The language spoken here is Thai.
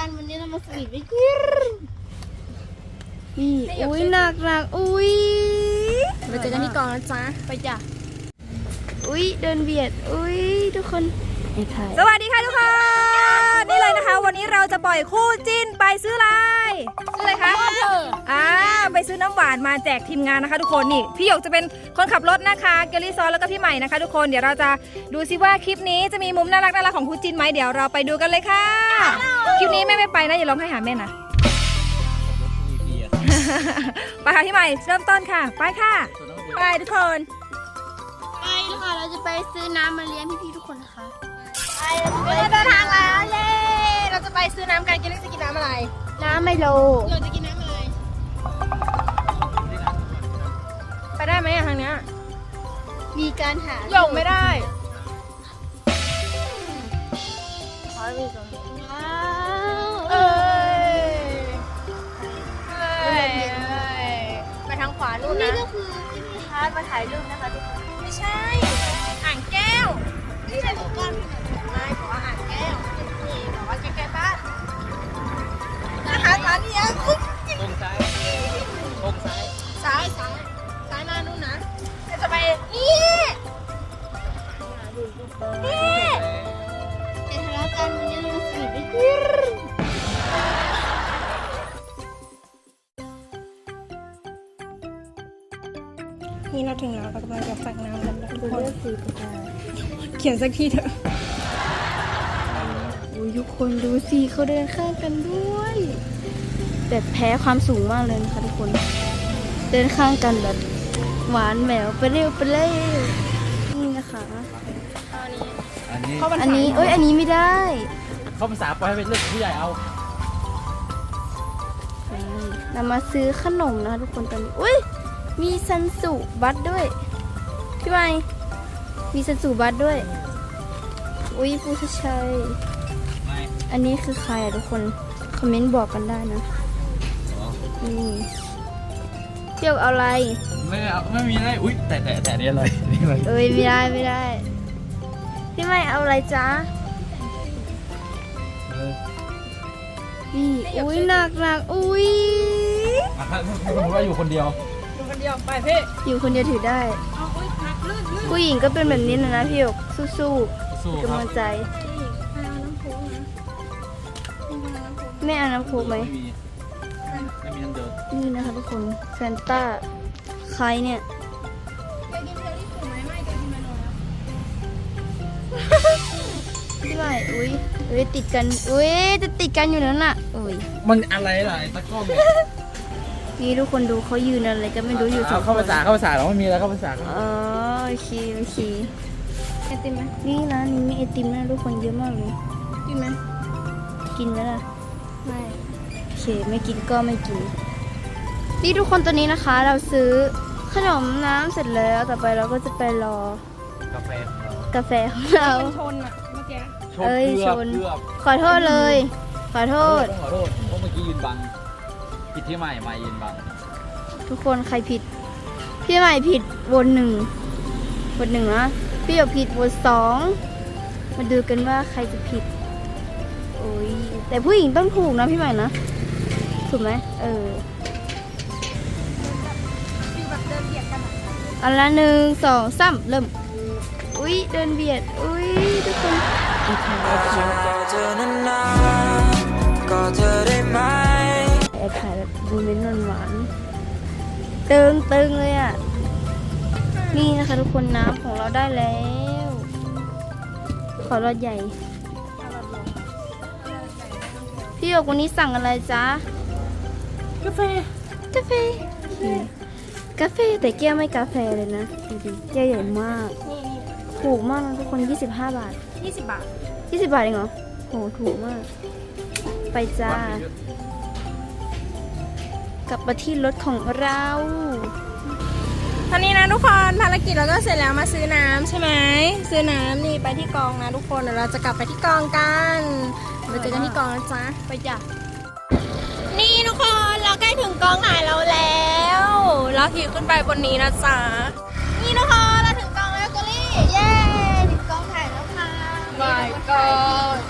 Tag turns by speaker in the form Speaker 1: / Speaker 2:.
Speaker 1: กันวันนี้เรามาสวีทไปกินนี่อุ้ยหนักอุ้ยไปเจอกันที่กองนะจ๊ะไปจ้ะอุ้ยเดินเบียดอุ้ยทุกคน
Speaker 2: สวัสดีค่ะทุกคนนี่เลยนะคะวันนี้เราจะปล่อยคู่จิ้นไปซื้ออะไรคะไปซื้อน้ำหวานมาแจกทีมงานนะคะทุกคนนี่พี่หยกจะเป็นคนขับรถนะคะเกลลี่ซอนแล้วก็พี่ใหม่นะคะทุกคนเดี๋ยวเราจะดูซิว่าคลิปนี้จะมีมุมน่ารักของคู่จิ้นไหมเดี๋ยวเราไปดูกันเลยค่ะคลิปนี้แม่ไม่ไปนะอย่าร้องให้หาแม่นะไปค่ะพี่ใหม่เริ่มต้นค่ะไปค่ะไปทุกคน
Speaker 1: ไปค่ะเราจะไปซื้อน้ำมาเลี้ยงพี่ๆทุกคนนะคะ
Speaker 2: ไปเดินทางแล้วเย้เราจะไปซื้อน้ำกันกินจะกินน้ำอะไร
Speaker 1: น้ำไมโล
Speaker 2: เราจะกินน้ำอะไรไปได้ไหมทางเนี้ย
Speaker 1: มีการหา
Speaker 2: หยกไม่ได้
Speaker 1: ขอไปก่อน
Speaker 2: ไปทางขวานู่นนะ
Speaker 1: นี่ก็คือที่มีฮาร์ดมาถ่ายรูปนะคะทุกคน
Speaker 2: ไม่ใช่อ่างแก้ว
Speaker 1: ไม่ใช่ของก้อน
Speaker 2: ไม่ขออ่างแก้วนี่บอกว่าใกล้ๆบ้านอาหารร้านนี้ตรงซ้ายซ้ายมานู่นนะจะไปนี่
Speaker 1: จะทะเลาะกันวันนี้เรามาสวีทไปกิน
Speaker 2: นี่เราถึงแล้วเรากำลังจะสั่งน้ำกันทุกคนเขียนสักทีเถอะ
Speaker 1: ทุกคนดูสิเขาเดินข้างกันด้วยแต่แพ้ความสูงมากเลยนะคะทุกคนเดินข้างกันแบบหวานแหววไปเร็วนี่นะคะอันนี้เอ้ยอันนี้ไม่ได้
Speaker 3: เข้าภาษาปล่อยให้เป็นเรื่องของผู้ใหญ่เอา
Speaker 1: เรามาซื้อขนมนะคะทุกคนตอนนี้อุ้ยมีซันสุบัตด้วยพี่ใหม่มีซันสุบัตด้วยอุ้ยผู้ชัยอันนี้คือใครอะทุกคนคอมเมนต์บอกกันได้นะนี่เที่ยวเอาอะไร
Speaker 3: ไม่เอาไม่มีอะไรอุ้ยแต่นี่อะไรนี่อะไร
Speaker 1: เอ้ยไม่ได้พี่ไม่เอาอะไรจ๊ะนี่อุ้ยหนักอุ้ย
Speaker 3: ถ้าสมมติว่าอยู่คนเดียว
Speaker 2: ไปพี่
Speaker 1: อยู่คนเดียวถือได้ผู้หญิงก็เป็นแบบนี้นะพี่หยกสู้ๆกำลังใจแม่เอาน้ำโค้กไหม
Speaker 3: ไม่มีทั้งเดิม
Speaker 1: นี่นะคะทุกคนแฟนต้าใครเนี่ยพี่ใหม่อุ้ยติดกันจะติดกันอยู่แล้วน่ะ
Speaker 3: มันอะไรล่ะไอ้ตะก้อมเนี่ย
Speaker 1: นี่ทุกคนดูเขายืนอะไรก็ไม่รู้อยู่
Speaker 3: เข้าภาษาเราไม่มีแล้วเข้าภาษา
Speaker 1: โอเคไอติมไหมนี่ร้านนี้มีไอติมนะทุกคนเยอะมากเลย
Speaker 2: กินไหม
Speaker 1: ล่ะไม่โอเคไม่กินก็ไม่กินนี่ทุกคนตอนนี้นะคะเราซื้อขนมน้ำเสร็จแล้วต่อไปเราก็จะไปรอกาแฟของเรา
Speaker 2: ชนอะเมื่อกี้
Speaker 1: ชนขอโทษเลยขอโทษ
Speaker 3: เพราะเมื่อกี้ยืนบังผิดที่ใหม่ยืนบัง
Speaker 1: ทุกคนใครผิดพี่ใหม่ผิดวนหนึ่งนะพี่หยกผิดวน2มาดูกันว่าใครจะผิดแต่ผู้หญิงต้องถูกนะพี่ใหม่นะถูกไหมอันละ1 2 3เริ่มเดินเบียดทุกคนถ่ายแบบดูเล่นหวานตึงเลยอ่ะนี่นะคะทุกคนน้ำของเราได้แล้วขอรสใหญ่พี่หยกวันนี้สั่งอะไรจ๊ะ
Speaker 2: กาแฟ
Speaker 1: แต่แก้วไม่กาแฟเลยนะดูดิแก้วใหญ่มากถูกมากนะทุกคน25 บาท
Speaker 2: 20 บาท
Speaker 1: เองเหรอโหถูกมากไปจ้ากลับมาที่รถของเรา
Speaker 2: ตอนนี้นะทุกคนภารกิจเราก็เสร็จแล้วมาซื้อน้ำใช่ไหมซื้อน้ำนี่ไปที่กองนะทุกคนเดี๋ยวเราจะกลับไปที่กองกันไปเจอกันที่กองนะจ๊ะไปจ้ะนี่ทุกคนเราใกล้ถึงกองถ่ายเราแล้วเราขี่ขึ้นไปบนนี้นะจ๊ะนี่ทุกคนเราถึงกองแล้วกุลี่เย้ถึงกองถ่ายแล้วค่ะ
Speaker 1: My God